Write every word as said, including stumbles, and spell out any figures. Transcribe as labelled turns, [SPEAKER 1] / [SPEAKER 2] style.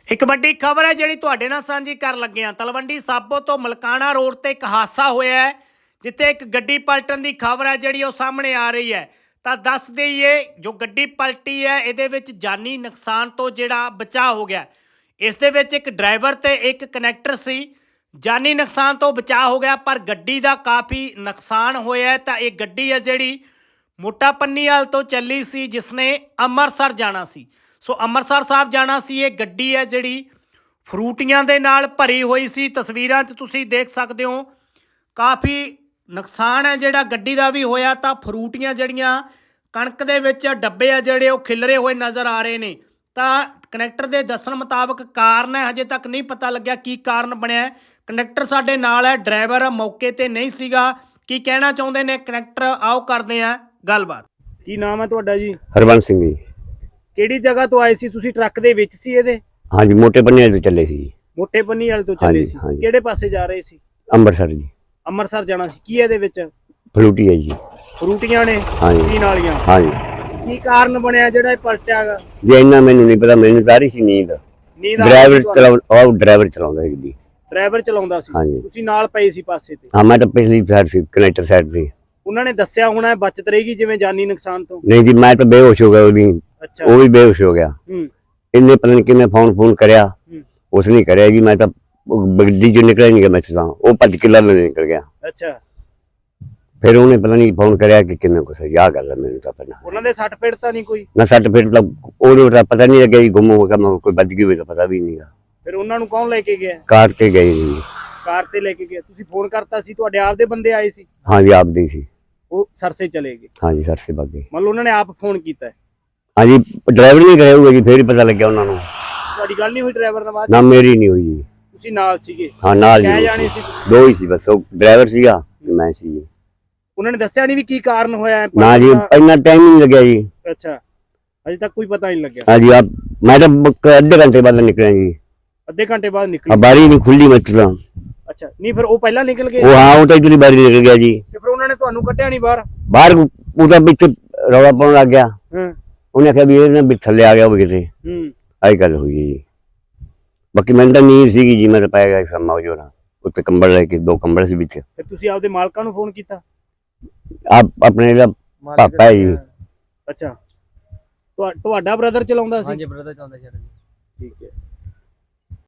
[SPEAKER 1] ਇੱਕ ਵੱਡੀ ਖਬਰ ਹੈ ਜਿਹੜੀ ਤੁਹਾਡੇ ਨਾਲ ਸਾਂਝੀ ਕਰਨ ਲੱਗੇ ਹਾਂ। ਤਲਵੰਡੀ ਸਾਬੋ ਤੋਂ ਮਲਕਾਣਾ ਰੋਡ ਤੇ ਇੱਕ ਹਾਦਸਾ ਹੋਇਆ ਹੈ, ਜਿੱਥੇ ਇੱਕ ਗੱਡੀ ਪਲਟਣ ਦੀ ਖਬਰ ਹੈ ਜਿਹੜੀ ਉਹ ਸਾਹਮਣੇ ਆ ਰਹੀ ਹੈ। ਤਾਂ ਦੱਸ ਦਈਏ, ਜੋ ਗੱਡੀ ਪਲਟੀ ਹੈ ਇਹਦੇ ਵਿੱਚ ਜਾਨੀ ਨੁਕਸਾਨ ਤੋਂ ਜਿਹੜਾ ਬਚਾਅ ਹੋ ਗਿਆ। ਇਸ ਦੇ ਵਿੱਚ ਇੱਕ ਡਰਾਈਵਰ ਤੇ ਇੱਕ ਕਨੈਕਟਰ ਸੀ। ਜਾਨੀ ਨੁਕਸਾਨ ਤੋਂ ਬਚਾਅ ਹੋ ਗਿਆ, ਪਰ ਗੱਡੀ ਦਾ ਕਾਫੀ ਨੁਕਸਾਨ ਹੋਇਆ। ਤਾਂ ਇਹ ਗੱਡੀ ਹੈ ਜਿਹੜੀ ਮੋਟਾ ਪੰਨੀਵਾਲ ਤੋਂ ਚੱਲੀ ਸੀ, ਜਿਸਨੇ ਅੰਮ੍ਰਿਤਸਰ ਜਾਣਾ ਸੀ। ਸੋ ਅੰਮ੍ਰਿਤਸਰ ਸਾਹਿਬ ਜਾਣਾ ਸੀ। ਇਹ ਗੱਡੀ ਹੈ ਜਿਹੜੀ ਫਰੂਟੀਆਂ ਦੇ ਨਾਲ ਭਰੀ ਹੋਈ ਸੀ। ਤਸਵੀਰਾਂ 'ਚ ਤੁਸੀਂ ਦੇਖ ਸਕਦੇ ਹੋ, ਕਾਫੀ ਨੁਕਸਾਨ ਹੈ ਜਿਹੜਾ ਗੱਡੀ ਦਾ ਵੀ ਹੋਇਆ। ਤਾਂ ਫਰੂਟੀਆਂ ਜਿਹੜੀਆਂ ਕਣਕ ਦੇ ਵਿੱਚ ਡੱਬੇ ਆ ਜਿਹੜੇ ਉਹ ਖਿਲਰੇ ਹੋਏ ਨਜ਼ਰ ਆ ਰਹੇ ਨੇ। ਤਾਂ ਕਨੈਕਟਰ ਦੇ ਦੱਸਣ ਮੁਤਾਬਕ ਕਾਰਨ ਹੈ, ਹਜੇ ਤੱਕ ਨਹੀਂ ਪਤਾ ਲੱਗਿਆ ਕੀ ਕਾਰਨ ਬਣਿਆ। ਕਨੈਕਟਰ ਸਾਡੇ ਨਾਲ ਹੈ, ਡਰਾਈਵਰ ਮੌਕੇ ਤੇ ਨਹੀਂ ਸੀਗਾ। ਕੀ ਕਹਿਣਾ ਚਾਹੁੰਦੇ ਨੇ ਕਨੈਕਟਰ, ਆਓ ਕਰਦੇ ਆ ਗੱਲਬਾਤ। ਕੀ ਨਾਮ ਹੈ ਤੁਹਾਡਾ ਜੀ?
[SPEAKER 2] ਹਰਬੰਸ ਸਿੰਘ ਜੀ।
[SPEAKER 1] ਕਿਹੜੀ ਜਗ੍ਹਾ ਤੋਂ ਆਏ ਸੀ ਤੁਸੀਂ? ਟਰੱਕ ਦੇ ਵਿੱਚ ਸੀ ਇਹਦੇ?
[SPEAKER 2] ਹਾਂਜੀ, ਮੋਟੇ ਪੰਨੀਵਾਲ ਤੋਂ ਚੱਲੇ ਸੀ।
[SPEAKER 1] ਮੋਟੇ ਪੰਨੀਵਾਲ ਤੋਂ ਚੱਲੇ ਸੀ। ਕਿਹੜੇ ਪਾਸੇ ਜਾ ਰਹੇ ਸੀ?
[SPEAKER 2] ਅੰਮ੍ਰਿਤਸਰ ਜੀ।
[SPEAKER 1] ਅੰਮ੍ਰਿਤਸਰ ਜਾਣਾ ਸੀ। ਕੀ ਇਹਦੇ ਵਿੱਚ?
[SPEAKER 2] ਫਲੂਟੀ ਹੈ ਜੀ।
[SPEAKER 1] ਫਰੂਟੀਆਂ ਨੇ
[SPEAKER 2] ਹਾਂਜੀ।
[SPEAKER 1] ਪੀਣ ਵਾਲੀਆਂ।
[SPEAKER 2] ਹਾਂਜੀ।
[SPEAKER 1] ਕੀ ਕਾਰਨ ਬਣਿਆ ਜਿਹੜਾ ਇਹ ਪਲਟਿਆਗਾ?
[SPEAKER 2] ਜੇ ਇੰਨਾ ਮੈਨੂੰ ਨਹੀਂ ਪਤਾ, ਮੈਨੂੰ ਤਾਂ ਆ ਰਹੀ ਸੀ ਨੀਂਦ।
[SPEAKER 1] ਨੀਂਦ
[SPEAKER 2] ਡਰਾਈਵਰ ਚਲਾਉਂਦਾ, ਉਹ ਡਰਾਈਵਰ ਚਲਾਉਂਦਾ ਸੀ ਗੱਡੀ।
[SPEAKER 1] ਡਰਾਈਵਰ ਚਲਾਉਂਦਾ ਸੀ,
[SPEAKER 2] ਹਾਂਜੀ।
[SPEAKER 1] ਤੁਸੀਂ ਨਾਲ ਪਏ ਸੀ ਪਾਸੇ ਤੇ?
[SPEAKER 2] ਹਾਂ, ਮੈਂ ਤਾਂ ਪਿਛਲੀ ਸਾਈਡ ਸੀ, ਕਨੈਕਟਰ ਸਾਈਡ ਤੇ।
[SPEAKER 1] ਉਹਨਾਂ ਨੇ ਦੱਸਿਆ ਹੋਣਾ ਬਚਤ ਰਹੇਗੀ ਜਿਵੇਂ ਜਾਨੀ ਨੁਕਸਾਨ ਤੋਂ?
[SPEAKER 2] ਨਹੀਂ ਜੀ, ਮੈਂ ਤਾਂ ਬੇਹੋਸ਼ ਹੋ ਗਿਆ ਉਹਦੀ।
[SPEAKER 1] ਅੱਛਾ।
[SPEAKER 2] ਉਹ ਵੀ ਬੇਹੋਸ਼ ਹੋ ਗਿਆ।
[SPEAKER 1] ਹੂੰ।
[SPEAKER 2] ਇਹਨੇ ਪਤਾ ਨਹੀਂ ਕਿਵੇਂ ਫੋਨ ਫੋਨ ਕਰਿਆ,
[SPEAKER 1] ਹੂੰ।
[SPEAKER 2] ਉਸ ਨੇ ਕਰਿਆ ਜੀ। ਮੈਂ ਤਾਂ ਗੱਡੀ ਚੋਂ ਨਿਕਲਿਆ ਨਹੀਂ ਗਿਆ, ਮੈਂ ਤਾਂ ਉਹ ਭੱਜ ਕੇ ਲੱਲ ਨਿਕਲ ਗਿਆ।
[SPEAKER 1] ਅੱਛਾ।
[SPEAKER 2] ਫਿਰ ਉਹਨੇ ਪਤਾ ਨਹੀਂ ਫੋਨ ਕਰਿਆ ਕਿ ਕਿੰਨਾ ਕੁਛ ਯਾਦ ਕਰ ਲਿਆ ਮੈਨੂੰ ਤਾਂ ਪਹਿਲਾਂ।
[SPEAKER 1] ਉਹਨਾਂ ਦੇ ਸੱਟ ਫੇਟ ਤਾਂ ਨਹੀਂ ਕੋਈ?
[SPEAKER 2] ਨਾ ਸੱਟ ਫੇਟ ਤਾਂ ਉਹਨੂੰ ਤਾਂ ਪਤਾ ਨਹੀਂ ਲੱਗਿਆ ਜੀ, ਗੁੰਮ ਹੋ ਗਿਆ। ਮੈਂ ਕੋਈ ਵੱਜ ਗਈ ਹੋਵੇ ਤਾਂ ਪਤਾ ਵੀ ਨਹੀਂਗਾ।
[SPEAKER 1] ਫਿਰ ਉਹਨਾਂ ਨੂੰ ਕੌਣ ਲੈ ਕੇ ਗਿਆ?
[SPEAKER 2] ਕਾਰ ਤੇ ਗਏ ਜੀ।
[SPEAKER 1] ਕਾਰ ਤੇ ਲੈ ਕੇ ਗਿਆ। ਤੁਸੀਂ ਫੋਨ ਕਰਤਾ ਸੀ? ਤੁਹਾਡੇ ਆਪ ਦੇ ਬੰਦੇ ਆਏ ਸੀ?
[SPEAKER 2] ਹਾਂਜੀ, ਆਪਦੇ ਸੀ।
[SPEAKER 1] ਉਹ ਸਰਸੇ ਚਲੇ ਗਏ?
[SPEAKER 2] ਹਾਂਜੀ, ਸਰਸੇ ਬਾਗੇ।
[SPEAKER 1] ਮਤਲਬ ਉਹਨਾਂ ਨੇ ਆਪ ਫੋਨ ਕੀਤਾ ਹੈ?
[SPEAKER 2] ਹਾਂਜੀ, ਡਰਾਈਵਰ ਨਹੀਂ ਕਰਿਆ ਹੋਊਗਾ ਜੀ, ਫੇਰ ਹੀ ਪਤਾ ਲੱਗਿਆ ਉਹਨਾਂ ਨੂੰ।
[SPEAKER 1] ਤੁਹਾਡੀ ਗੱਲ ਨਹੀਂ ਹੋਈ ਡਰਾਈਵਰ ਨਾਲ ਬਾਅਦ?
[SPEAKER 2] ਨਾ, ਮੇਰੀ ਨਹੀਂ ਹੋਈ ਜੀ।
[SPEAKER 1] ਤੁਸੀਂ ਨਾਲ ਸੀਗੇ?
[SPEAKER 2] ਹਾਂ, ਨਾਲ
[SPEAKER 1] ਕਹਿ
[SPEAKER 2] ਜੀ।
[SPEAKER 1] ਜਾਣੀ ਸੀ?
[SPEAKER 2] ਦੋ ਹੀ ਸੀ ਬਸ, ਉਹ ਡਰਾਈਵਰ ਸੀਗਾ ਤੇ ਮੈਂ ਸੀ ਜੀ।
[SPEAKER 1] ਉਹਨਾਂ ਨੇ ਦੱਸਿਆ ਨਹੀਂ ਵੀ ਕੀ ਕਾਰਨ ਹੋਇਆ?
[SPEAKER 2] ਨਾ ਜੀ, ਇੰਨਾ ਟਾਈਮ ਨਹੀਂ ਲੱਗਿਆ ਜੀ।
[SPEAKER 1] ਅੱਛਾ, ਅਜੇ ਤੱਕ ਕੋਈ ਪਤਾ ਨਹੀਂ ਲੱਗਿਆ?
[SPEAKER 2] ਹਾਂਜੀ, ਆਪ ਮੈਂ ਤਾਂ ਅੱਧੇ ਘੰਟੇ ਬਾਅਦ ਨਿਕਲਿਆ ਜੀ।
[SPEAKER 1] ਅੱਧੇ ਘੰਟੇ ਬਾਅਦ
[SPEAKER 2] ਆ
[SPEAKER 1] ਨਿਕਲੇ?
[SPEAKER 2] ਬਾਰੀ ਨਹੀਂ ਖੁੱਲੀ ਮਤਲਬ।
[SPEAKER 1] ਅੱਛਾ, ਨਹੀਂ ਫਿਰ ਉਹ ਪਹਿਲਾਂ ਨਿਕਲ ਗਏ?
[SPEAKER 2] ਉਹ ਹਾਂ, ਉਹ ਤਾਂ ਇਧਰਲੀ ਬਾਰੀ ਨਿਕਲ ਗਿਆ ਜੀ।
[SPEAKER 1] ਤੇ ਫਿਰ ਉਹਨਾਂ ਨੇ ਤੁਹਾਨੂੰ ਕੱਢਿਆ ਨਹੀਂ ਬਾਹਰ?
[SPEAKER 2] ਬਾਹਰ ਉਹਦਾ ਵਿੱਚ ਰੌਲਾ ਪਾਉਣ ਲੱਗ ਗਿਆ।
[SPEAKER 1] ਹਾਂ।
[SPEAKER 2] ਉਹਨੇ ਆਖਿਆ ਵੀ ਇਹ ਨਾ ਵੀ ਥੱਲੇ ਆ ਗਿਆ ਹੋਵੇ ਕਿਤੇ।
[SPEAKER 1] ਹੂੰ।
[SPEAKER 2] ਆਹੀ ਗੱਲ ਹੋਈ ਜੀ। ਬਾਕੀ ਮੈਨੂੰ ਤਾਂ ਨੀਂਦ ਸੀਗੀ ਜੀ, ਮੈਂ ਤਾਂ ਪੈ ਗਿਆ ਸਮਾਂ ਜੋਰਾ ਉੱਤੇ, ਕੰਬਲ ਲੈ ਕੇ, ਦੋ ਕੰਬਲ ਸੀ ਵਿੱਚ।
[SPEAKER 1] ਫਿਰ ਤੁਸੀਂ ਆਪਦੇ ਮਾਲਕਾਂ ਨੂੰ ਫੋਨ ਕੀਤਾ?
[SPEAKER 2] ਆਪ ਆਪਣੇ ਜਿਹੜਾ ਪਾਪਾ ਹੈ ਜੀ।
[SPEAKER 1] ਅੱਛਾ, ਤੁਹਾ- ਤੁਹਾਡਾ ਬ੍ਰਦਰ ਚਲਾਉਂਦਾ ਸੀ?
[SPEAKER 3] ਹਾਂਜੀ, ਬ੍ਰਦਰ ਚਲਾਉਂਦਾ ਸੀ।
[SPEAKER 1] ਠੀਕ ਹੈ।